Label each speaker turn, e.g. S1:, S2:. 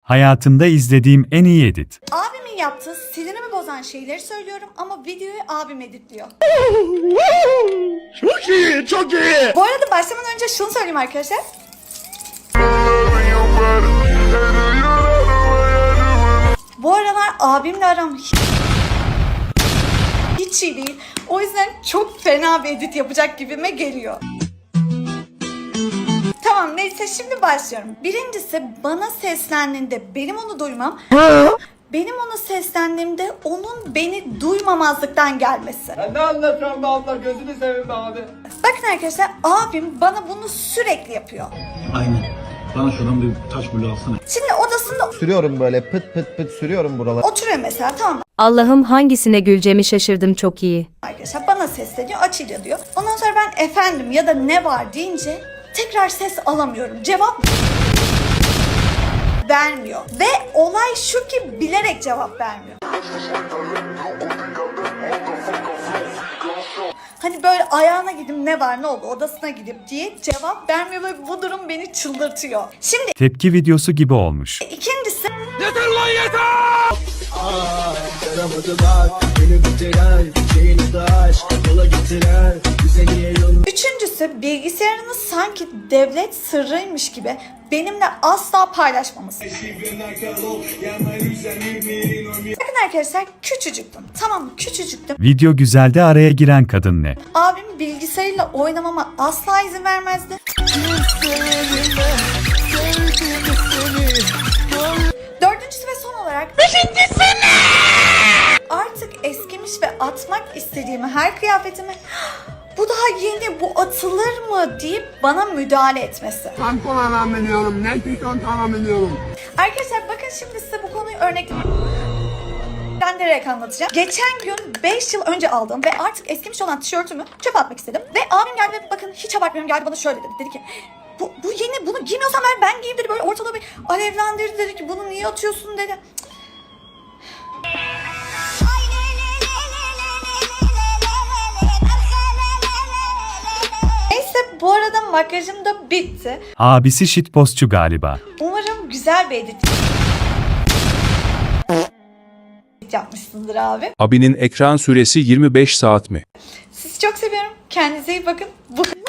S1: Hayatımda izlediğim en iyi edit.
S2: Abimin yaptığı sinirimi bozan şeyleri söylüyorum ama videoyu abim editliyor.
S3: Çok iyi, çok iyi.
S2: Bu arada başlamadan önce şunu söyleyeyim arkadaşlar. Bu aralar abimle aram hiç iyi değil. O yüzden çok fena bir edit yapacak gibime geliyor. Tamam neyse şimdi başlıyorum. Birincisi bana seslendiğinde benim onu duymam. Benim ona seslendiğimde onun beni duymamazlıktan gelmesi.
S4: Ne anlatıyorsun be abla, gözünü seveyim be abi.
S2: Bakın arkadaşlar abim bana bunu sürekli yapıyor.
S5: Aynen. Bana şuradan bir taş bulu alsana.
S2: Şimdi odasında
S3: Sürüyorum böyle pıt pıt pıt sürüyorum buralara.
S2: oturuyor mesela, tamam mı?
S6: Allah'ım hangisine güleceğimi şaşırdım, çok iyi.
S2: Arkadaşlar bana sesleniyor, açıyla diyor. Ondan sonra ben efendim ya da ne var deyince tekrar ses alamıyorum. Cevap vermiyor. Ve olay şu ki bilerek cevap vermiyor. Hani böyle ayağına gidip ne var ne oldu odasına gidip diye cevap vermiyor ve bu durum beni çıldırtıyor. Şimdi
S1: Tepki videosu gibi olmuş.
S2: ikincisi
S4: Yeter lan yeter!
S2: üçüncüsü bilgisayarını sanki devlet sırrıymış gibi benimle asla paylaşmaması. Bakın arkadaşlar küçücüktüm. Tamam mı? Küçücüktüm.
S1: Video güzelde araya giren kadın ne?
S2: Abim bilgisayarıyla oynamama asla izin vermezdi. Dördüncüsü ve son olarak artık eskimiş ve atmak istediğimi her kıyafetimi bu daha yeni, bu atılır mı deyip bana müdahale etmesi.
S4: Tampon alamıyorum, ne tişört alamıyorum.
S2: Arkadaşlar bakın şimdi size bu konuyu örneklendirerek anlatacağım. Geçen gün 5 yıl önce aldığım ve artık eskimiş olan tişörtümü çöpe atmak istedim. Ve abim geldi ve bakın hiç abartmıyorum, geldi bana şöyle dedi. Dedi ki bu yeni, bunu giymiyorsan ben giyeyim dedi, böyle ortalığı bir alevlendirdi, dedi ki bunu niye atıyorsun dedi. Neyse bu arada makyajım da bitti.
S1: Abisi shitpostçu galiba.
S2: Umarım güzel bir edit yapmışsındır abi.
S7: Abinin ekran süresi 25 saat mi?
S2: Sizi çok seviyorum. Kendinize iyi bakın. Bu